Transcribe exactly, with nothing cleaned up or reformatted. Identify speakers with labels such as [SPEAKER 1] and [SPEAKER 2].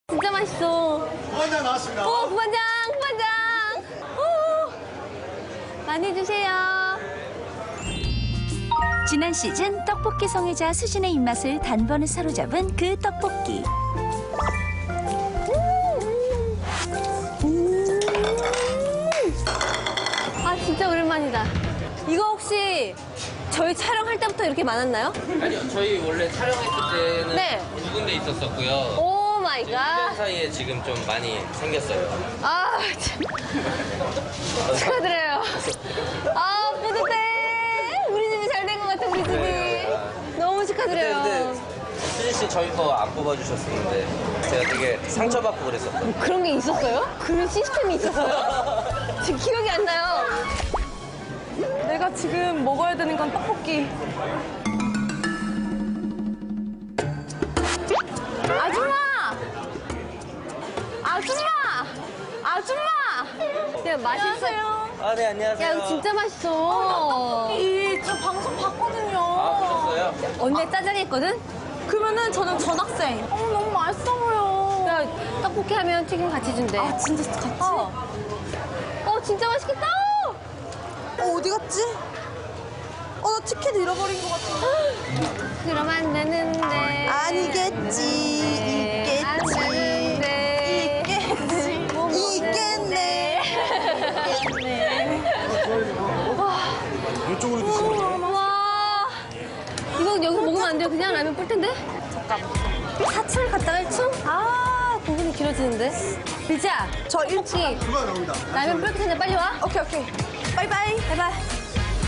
[SPEAKER 1] 진짜 맛있어.
[SPEAKER 2] 부반장 나왔습니다.
[SPEAKER 1] 오, 부반장, 부반장. 오, 많이 주세요.
[SPEAKER 3] 지난 시즌 떡볶이 성애자 수진의 입맛을 단번에 사로잡은 그 떡볶이.
[SPEAKER 1] 음. 아, 진짜 오랜만이다. 이거 혹시 저희 촬영할 때부터 이렇게 많았나요?
[SPEAKER 4] 아니요, 저희 원래 촬영했을 때는
[SPEAKER 1] 네.
[SPEAKER 4] 두 군데 있었었고요.
[SPEAKER 1] 오 마이
[SPEAKER 4] 일 년
[SPEAKER 1] 갓.
[SPEAKER 4] 사이에 지금 좀 많이 생겼어요.
[SPEAKER 1] 아, 참. 축하드려요. 아, 뿌듯해. 우리 집이 잘 된 것 같아, 우리 집이. 너무
[SPEAKER 4] 근데,
[SPEAKER 1] 축하드려요.
[SPEAKER 4] 근데 수진 씨 저희 거 안 뽑아주셨었는데 제가 되게 상처받고 그랬었거든요.
[SPEAKER 1] 그런 게 있었어요? 그런 시스템이 있었어요? 지금 기억이 안 나요.
[SPEAKER 5] 내가 지금 먹어야 되는 건 떡볶이. 아줌마! 아줌마! 아줌마!
[SPEAKER 1] 야, 맛있어요.
[SPEAKER 4] 아, 네, 안녕하세요.
[SPEAKER 1] 야, 이거 진짜 맛있어.
[SPEAKER 5] 이, 저 방송 봤거든요.
[SPEAKER 4] 아, 보셨어요?
[SPEAKER 1] 언니 짜장이 했거든?
[SPEAKER 5] 그러면은 저는 전학생. 어, 너무 맛있어 보여.
[SPEAKER 1] 야, 떡볶이 하면 튀김 같이 준대.
[SPEAKER 5] 아, 진짜 같이?
[SPEAKER 1] 어. 어, 진짜 맛있겠다.
[SPEAKER 5] 어, 어디 갔지? 어, 나 티켓 잃어버린 것 같은데.
[SPEAKER 1] 그럼 안 되는데.
[SPEAKER 5] 아니겠지.
[SPEAKER 1] 안
[SPEAKER 5] 있겠지.
[SPEAKER 1] 되는데.
[SPEAKER 5] 있겠지.
[SPEAKER 1] 뭐
[SPEAKER 5] 있겠네.
[SPEAKER 2] 이쪽으로 드시면 돼요.
[SPEAKER 1] 와. 이거 여기 먹으면 안 돼요. 그냥 라면 뿔 텐데? 사철 갔다가 일 층? 아, 부분이 길어지는데? 리자,
[SPEAKER 5] 저 일 층.
[SPEAKER 1] 떡볶이
[SPEAKER 2] 그거 나옵니다.
[SPEAKER 1] 라면 뿔 텐데 빨리 와.
[SPEAKER 5] 오케이, 오케이. 바이바이.
[SPEAKER 1] 바이바이.